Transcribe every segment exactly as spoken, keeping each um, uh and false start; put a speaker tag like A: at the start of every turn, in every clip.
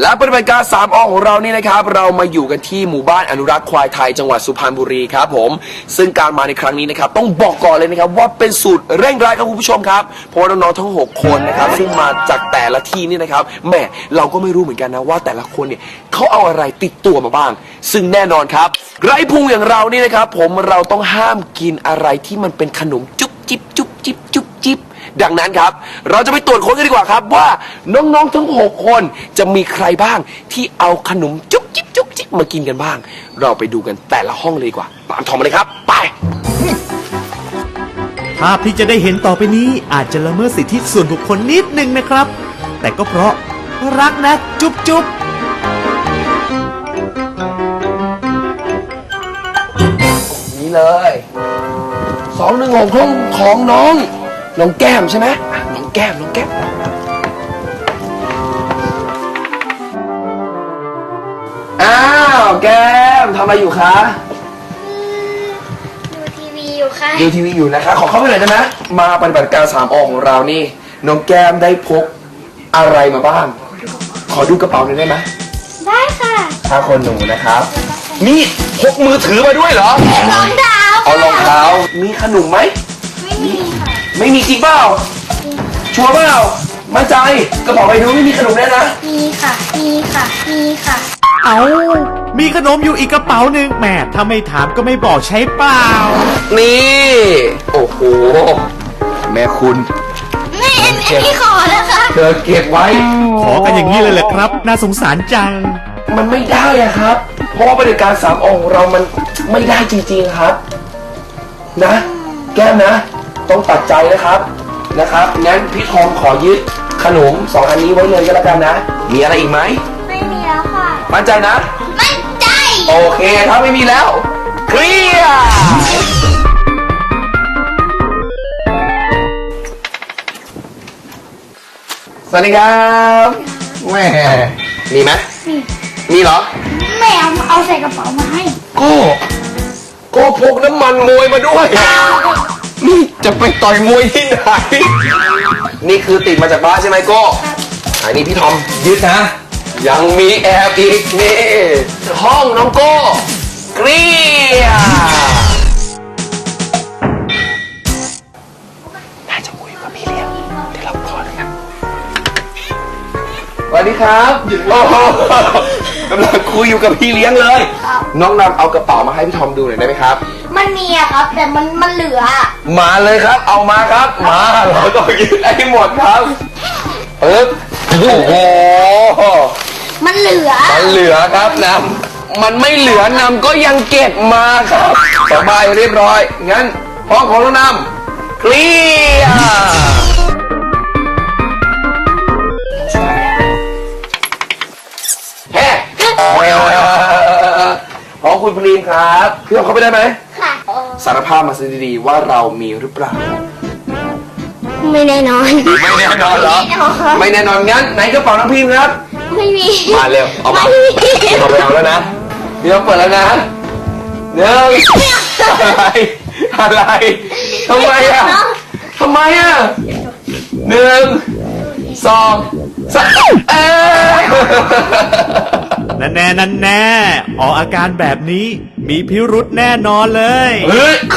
A: และปฏิบัติการสามอของเรานี่นะครับเรามาอยู่กันที่หมู่บ้านอนุรักษ์ควายไทยจังหวัดสุพรรณบุรีครับผมซึ่งการมาในครั้งนี้นะครับต้องบอกก่อนเลยนะครับว่าเป็นสูตรเร่งรัดครับคุณผู้ชมครับเพราะว่าน้องๆทั้งหกคนนะครับซึ่งมาจากแต่ละที่นี่นะครับแม่เราก็ไม่รู้เหมือนกันนะว่าแต่ละคนเนี่ยเขาเอาอะไรติดตัวมาบ้างซึ่งแน่นอนครับไร้พุงอย่างเรานี่นะครับผมเราต้องห้ามกินอะไรที่มันเป็นขนมจุ๊บจิ๊บจุ๊บจิ๊บจุ๊บจิ๊บดังนั้นครับเราจะไปตรวจค้นกันดีกว่าครับว่าน้องๆทั้งหกคนจะมีใครบ้างที่เอาขนมจุ๊บจิ๊บจุ๊บจิ๊บมากินกันบ้างเราไปดูกันแต่ละห้องเลยดีกว่าตามทอมมาเลยครับไป
B: ภาพที่จะได้เห็นต่อไปนี้อาจจะละเมิดสิทธิส่วนบุคคลนิดนึงนะครับแต่ก็เพราะรักนะจุ๊บจุ๊บ
A: นี่เลยสองหนึ่งหกห้องของน้องน้องแก้มใช่ไหมน้องแก้มน้องแก้มอ้าวแก้มทำอะไรอยู่คะ
C: ดูทีวีอยู่ค่ะ
A: ดูทีวีอยู่นะคะขอเข้าไปหน่อยได้ไหมมาปฏิบัติการสามอของเรานี่น้องแก้มได้พกอะไรมาบ้างขอดูกระเป๋าหน่อยได้ไหม
C: ได้ค่ะ
A: ถ้าคนหนูนะครับนี่พกมือถือมาด้วยเหรอ
C: รองเท้า
A: เอารองเท้ามีขนมไหม
C: ไม่มีค่ะ
A: ไม่มีจริงเปล่าชัวร์เปล่ามั่นใจกระเป๋าไปดูไม่มีขนมแน่นะ
C: มีค่ะมีค่ะมีค่ะ
B: เอามีขนมอยู่อีกกระเป๋าหนึ่งแหมถ้าไม่ถามก็ไม่บอกใช่เปล่า
A: นี่โอ้โหแม่คุณ
C: นี่อันนี้ขอนะคะ
A: เธอเก็บไว้
B: ขอกันอย่างนี้เลยแหละครับน่าสงสารจัง
A: มันไม่ได้อะครับเพราะว่าปฏิบัติการสามองค์เรามันไม่ได้จริงๆครับนะแก้มนะต้องตัดใจนะครับนะครับงั้นพี่ทองขอยึดขนมสองอันนี้ไว้เลยก็แล้วกันนะมีอะไรอีกไหม
C: ไม่มีแล้วค่ะ
A: มั่นใจนะ
C: มั่นใจ
A: โอเคถ้าไม่มีแล้วเคลียร์สวัสดีครับแม่มีไหมมีมีเหรอ
C: แม่เอาเอาใส่กระเป๋ามาให้
A: โก้โก้พกน้ำมันมวยมาด้วยนี่จะไปต่อยมวยที่ไหนนี่คือติดมาจากบ้านใช่ไหมโก้อันนี้พี่ทอมยึดนะยังมีแอบอีกนี่ห้องน้องโก้เกลียน่าจะคุยกับพี่เลี้ยงเดี๋ยวเราขอเลยครับสวัสดีครับโอ้โหกำลังคุยอยู่กับพี่เลี้ยงเลยน้องนำเอากระเป๋ามาให้พี่ทอมดูหน่อยได้ไหมครับ
C: มันมีอะครับแต่มันมันเหลือ
A: มาเลยครับเอามาครับมาเราต้องยึดให้หมดครับปึ๊บโอ้โห
C: มันเหลือ
A: มันเหลือครับนำมันไม่เหลือนำก็ยังเก็บมาครับสบายเรียบร้อยงั้นห้องของน้องนำเคลียร์แฮ่ของคุณพลีนครับพี่เอาเข้าไปได้ไหม
C: ค่ะ
A: สารภาพมาซะดีๆว่าเรามีหรือเปล่า
C: ไม่แน่นอน
A: ไม่แน่นอนเหรอไม่แน่นอนงั้นไหนกระเป๋าน้องพิมพ์ครับ
C: ไม่มี
A: มาเร็วเอามาเอาไปเอาแล้วนะพี่ต้องเปิดแล้วนะหนึ่งอะไรอะไรทำไมอ่ะทำไมอ่ะหนึ่งสองสามเอ๊ะ
B: นั่นแน่นั่นแน่ออกอาการแบบนี้มีพิรุธแน่นอนเลย
A: เฮ้ย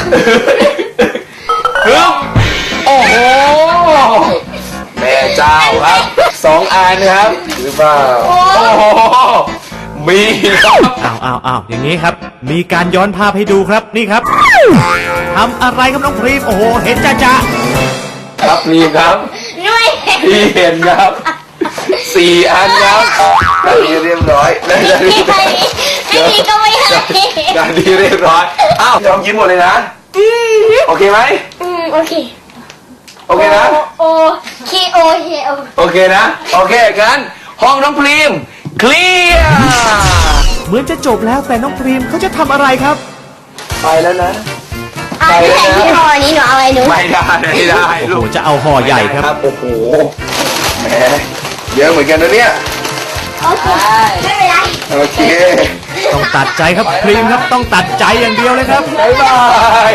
A: ฮึบโอ้โหแม่เจ้าครับสองอันครับหรือเปล่าโอ้โหมีครับ
B: อ้าวอ้าวอ้าวอย่างนี้ครับมีการย้อนภาพให้ดูครับนี่ครับทำอะไรครับน้องพรีมโอ้โหเห็นจ้าจ้า
A: ครับนี่ครับพี่เห็นครับสี่อันครับได้ดีเรียบร้อยได้ดี
C: ไม่ดีก็ไม่ให้
A: ได้ดีเรียบร้อยอ้าวยอมยิ้มหมดเลยนะโอเคไหม
C: อืมโอเค
A: โอเคนะ
C: โอเคโอเค
A: โอเคนะโอเคกันห้องน้องพรีมเคลียร์
B: เหมือนจะจบแล้วแต่น้องพรีมเขาจะทำอะไรครับ
A: ไปแล้วนะ
C: ไปแล้วนะห่อนี้หนูเอาอะไรหนู
A: ไม่ได้ไม่ได้
B: โอ้โหจะเอาห่อใหญ่ครับ
A: โอ้โหแหมเยอะเหมือนกันนะเนี่ย
C: โอเคไม่เป็นไร
A: โอเค
B: ต้องตัดใจครับพรีมครับต้องตัดใจอย่างเดียวเลยครับ
A: บ๊ายบาย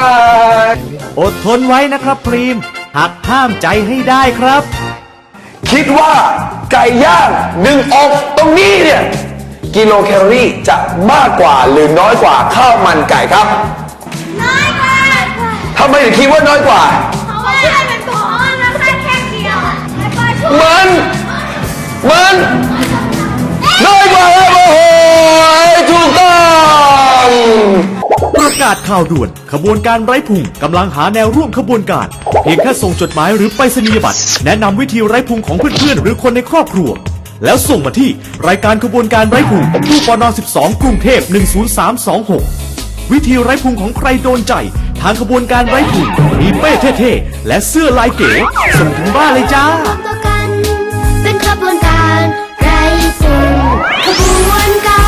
A: บ๊ายบาย
B: อดทนไว้นะครับพรีมหักห้ามใจให้ได้ครับ
A: เคคิดว่าไก่ย่างหนึ่งอกตรงนี้เนี่ยกิโลแคลอรี่จะมากกว่าหรือน้อยกว่าข้าวมันไก่ครับ
C: น้อยกว่า
A: ทำไมถึงคิดว่าน้อยกว่า
C: เพราะว่ามันบอกว่ามันแค่แค่เดียวแล้วก็ช่วย
A: มันมันน้อยกว่าครับโอ้โหถูกต้อง
B: ประกาศข่าวด่วนขบวนการไร้พุงกำลังหาแนวร่วมขบวนการเพียงแค่ส่งจดหมายหรือไปรษณียบัตรแนะนำวิธีไร้พุงของเพื่อนๆหรือคนในครอบครัวแล้วส่งมาที่รายการขบวนการไร้พุงตู้ปนสิบสองกรุงเทพหนึ่งศูนย์สามสองหกวิธีไร้พุงของใครโดนใจทางขบวนการไร้พุงมีเป้เท่ๆและเสื้อลายเก๋ส่งถึงบ้านเลยจ้า
D: รวมตัวกันเป็นขบวนการไร้ฝุ่นขบวนการ